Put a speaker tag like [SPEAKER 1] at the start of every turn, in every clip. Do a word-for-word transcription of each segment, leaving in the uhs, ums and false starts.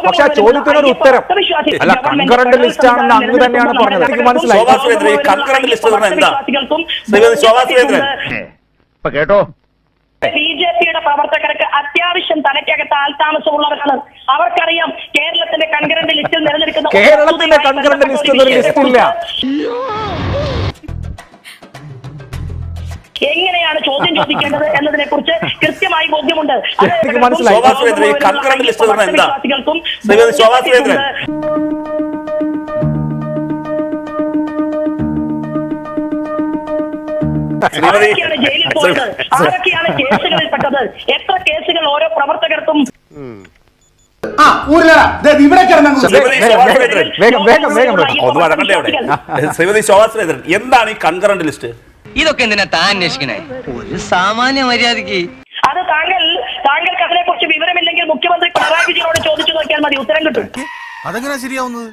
[SPEAKER 1] പക്ഷെ ആ ചോദ്യത്തിനൊരു ഉത്തരം അല്ല, കൺകറന്റ് ലിസ്റ്റ് ആണെന്ന് അങ്ങ് തന്നെയാണ് പറഞ്ഞത്. എനിക്ക് മനസ്സിലായി.
[SPEAKER 2] കേട്ടോ,
[SPEAKER 3] ബി ജെ പിയുടെ പ്രവർത്തകർക്ക് അത്യാവശ്യം തലയ്ക്കകത്ത് ആൾതാമസമുള്ളവരാണ്. അവർക്കറിയാം കേരളത്തിന്റെ കൺകറന്റ് ലിസ്റ്റിൽ നിലനിൽക്കുന്ന
[SPEAKER 1] കേരളത്തിന്റെ കൺകറന്റ് ലിസ്റ്റ് ലിസ്റ്റ് ഇല്ല.
[SPEAKER 3] എങ്ങനെയാണ് ചോദ്യം ചോദിക്കേണ്ടത് എന്നതിനെ കുറിച്ച് കൃത്യമായി ബോധ്യമുണ്ട്.
[SPEAKER 1] എനിക്ക് മനസ്സിലായി.
[SPEAKER 3] വിശ്വാസികൾക്കും ആരൊക്കെയാണ് ജയിലിൽ പോയത്, ആരൊക്കെയാണ് കേസുകളിൽപ്പെട്ടത്, എത്ര കേസുകൾ ഓരോ പ്രവർത്തകർക്കും.
[SPEAKER 4] എന്താണ് ഈ കൺകറന്റ് ലിസ്റ്റ്?
[SPEAKER 5] ഇതൊക്കെ എന്തിനാ താൻ അന്വേഷിക്കണേ? ഒരു സാമാന്യ മര്യാദക്ക്
[SPEAKER 3] അത് താങ്കൾ താങ്കൾക്ക് അതിനെ കുറിച്ച് വിവരമില്ലെങ്കിൽ മുഖ്യമന്ത്രി പിണറായി വിജയനോട് ചോദിച്ചു നോക്കിയാൽ മതി, ഉത്തരം കിട്ടും.
[SPEAKER 2] അതെങ്ങനെ ശരിയാവുന്നത്?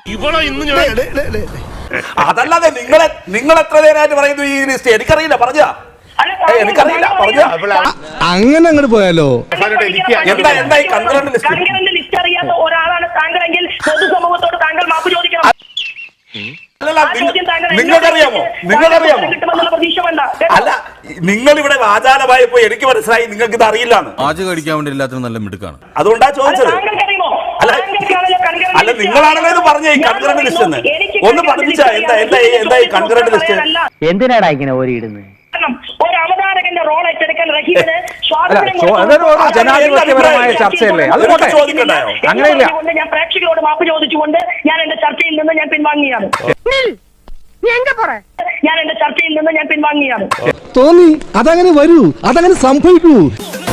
[SPEAKER 4] അതല്ലാതെ നിങ്ങളെ നിങ്ങൾ എത്ര നേരമായിട്ട് പറയുന്നു ഈ ലിസ്റ്റ്? എനിക്കറിയില്ല, പറഞ്ഞാ എനിക്കറിയില്ല, പറഞ്ഞാ
[SPEAKER 6] അങ്ങനെ അങ്ങോട്ട് പോയാലോ?
[SPEAKER 4] എന്താ എന്താ ഈ കൺകറന്റ് ലിസ്റ്റ്?
[SPEAKER 3] കൺകറന്റ് ലിസ്റ്റ് അറിയാത്ത ഒരാളാണ് താങ്കളെങ്കിൽ പൊതുസമൂഹത്തോട് താങ്കൾ മാപ്പ് ചോദിക്കണം.
[SPEAKER 4] നിങ്ങൾക്കറിയാമോ നിങ്ങൾക്കറിയാമോ അല്ല, നിങ്ങൾ ഇവിടെ വാചാലമായപ്പോ എനിക്ക് മനസ്സിലായി നിങ്ങൾക്ക് ഇത് അറിയില്ലാന്ന്.
[SPEAKER 2] ആജ് കടിക്കാൻ വേണ്ടി എല്ലാത്തിനും നല്ല മിടുക്കാണ്,
[SPEAKER 4] അതുകൊണ്ടാ ചോദിച്ചത്. അല്ല അല്ല നിങ്ങളാണല്ലോ ഇത് പറഞ്ഞ ഈ കൺകറന്റ് ലിസ്റ്റ് എന്ന്. ഒന്ന് പഠിപ്പിച്ചാ എന്താ എന്താ എന്താ ഈ കൺകറന്റ് ലിസ്റ്റ്?
[SPEAKER 5] എന്തിനാടാ ഇങ്ങനെ ഓരിയിടുന്നത്?
[SPEAKER 3] ഒരു അവതാരകന്റെ റോൾ ഏറ്റെടുക്കാൻ റഹീമിന്
[SPEAKER 1] ജനാധിപത്യപരമായ ചർച്ചയല്ലേ, അതുകൊണ്ട്
[SPEAKER 4] ചോദിക്കണ്ടായോ?
[SPEAKER 1] അങ്ങനെയില്ല.
[SPEAKER 3] ഞാൻ പ്രേക്ഷകരോട് മാപ്പ് ചോദിച്ചുകൊണ്ട് ഞാൻ എന്റെ ചർച്ചയിൽ നിന്ന് ഞാൻ പിൻവാങ്ങിയാണ്. ഞാൻ എന്റെ ചർച്ചയിൽ നിന്ന് ഞാൻ പിൻവാങ്ങിയാണ്.
[SPEAKER 6] തോന്നി അതങ്ങനെ വരൂ, അതങ്ങനെ സംഭവിക്കൂ.